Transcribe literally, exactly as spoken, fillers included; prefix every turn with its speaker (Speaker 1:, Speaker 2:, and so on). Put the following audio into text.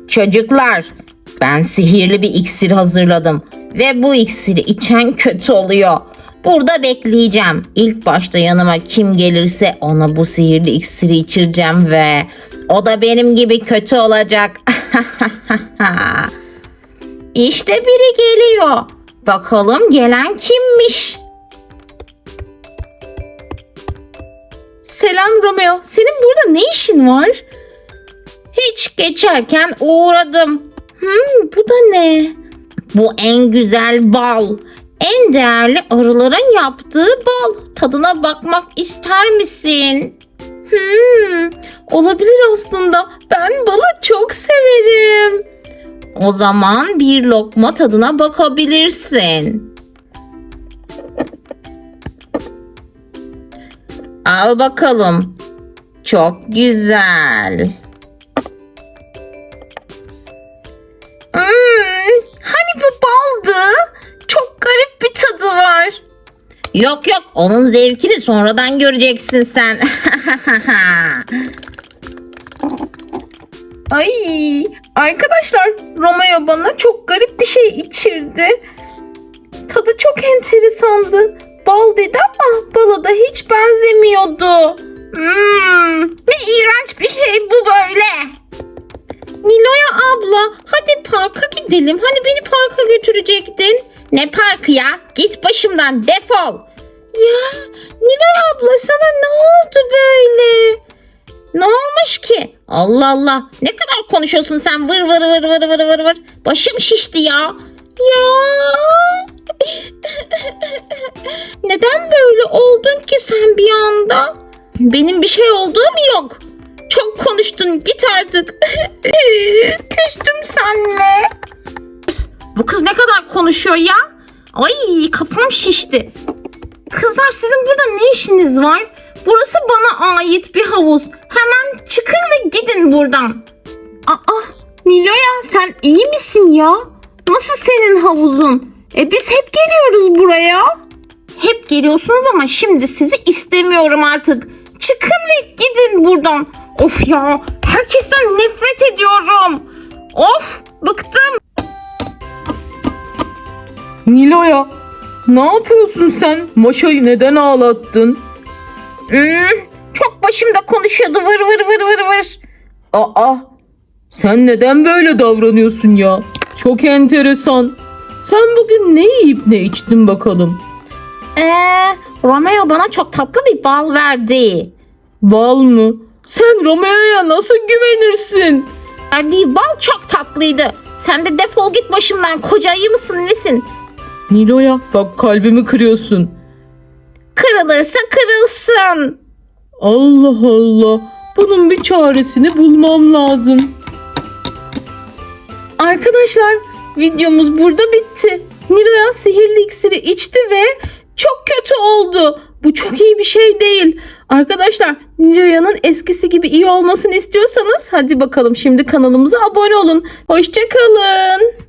Speaker 1: Çocuklar, ben sihirli bir iksir hazırladım ve bu iksiri içen kötü oluyor. Burada bekleyeceğim. İlk başta yanıma kim gelirse ona bu sihirli iksiri içireceğim ve o da benim gibi kötü olacak. İşte biri geliyor. Bakalım gelen kimmiş? Selam Romeo. Senin burada ne işin var? Hiç geçerken uğradım. Hmm, bu da ne? Bu en güzel bal. En değerli arıların yaptığı bal. Tadına bakmak ister misin? Hmm, olabilir aslında. Ben balı çok severim. O zaman bir lokma tadına bakabilirsin. Al bakalım. Çok güzel. Hmm, hani bu baldı? Çok garip bir tadı var. Yok yok, onun zevkini sonradan göreceksin sen. Ay, arkadaşlar, Romeo bana çok garip bir şey içirdi. Tadı çok enteresandı. Bal dedi ama bala da hiç benzemiyordu. Hmm, ne iğrenç bir şey bu böyle. Nilo'ya abla, hadi parka gidelim. Hani beni parka götürecektin. Ne parkı ya? Git başımdan, defol. Ya Nilo'ya abla, sana ne oldu böyle? Ne olmuş ki? Allah Allah. Ne kadar konuşuyorsun sen? Vır vır vır vır vır vır vır. Başım şişti ya. Ya. Neden böyle oldun ki sen bir anda? Benim bir şey olduğum yok. Çok konuştun, git artık. Küstüm seninle. Bu kız ne kadar konuşuyor ya? Ay, kafam şişti. Kızlar, sizin burada ne işiniz var? Burası bana ait bir havuz. Hemen çıkın ve gidin buradan. Aa, Nilo'ya, sen iyi misin ya? Nasıl senin havuzun? E biz hep geliyoruz buraya. Hep geliyorsunuz ama şimdi sizi istemiyorum artık. Çıkın ve gidin buradan. Of ya, herkesten nefret ediyorum. Of, bıktım.
Speaker 2: Nilo'ya, ne yapıyorsun sen? Maşa'yı neden ağlattın?
Speaker 1: Hmm, çok başımda konuşuyordu, vır vır vır vır vır.
Speaker 2: Aa, sen neden böyle davranıyorsun ya? Çok enteresan. Sen bugün ne yiyip ne içtin bakalım?
Speaker 1: Eee, Romeo bana çok tatlı bir bal verdi.
Speaker 2: Bal mı? Sen Romeo'ya nasıl güvenirsin?
Speaker 1: Verdiği bal çok tatlıydı. Sen de defol git başımdan, koca ayı mısın nesin?
Speaker 2: Nilo'ya, bak kalbimi kırıyorsun.
Speaker 1: Kırılırsa kırılsın.
Speaker 2: Allah Allah. Bunun bir çaresini bulmam lazım. Arkadaşlar, videomuz burada bitti. Nilo'ya sihirli iksiri içti ve çok kötü oldu. Bu çok iyi bir şey değil. Arkadaşlar, Nilo'ya'nın eskisi gibi iyi olmasını istiyorsanız hadi bakalım şimdi kanalımıza abone olun. Hoşça kalın.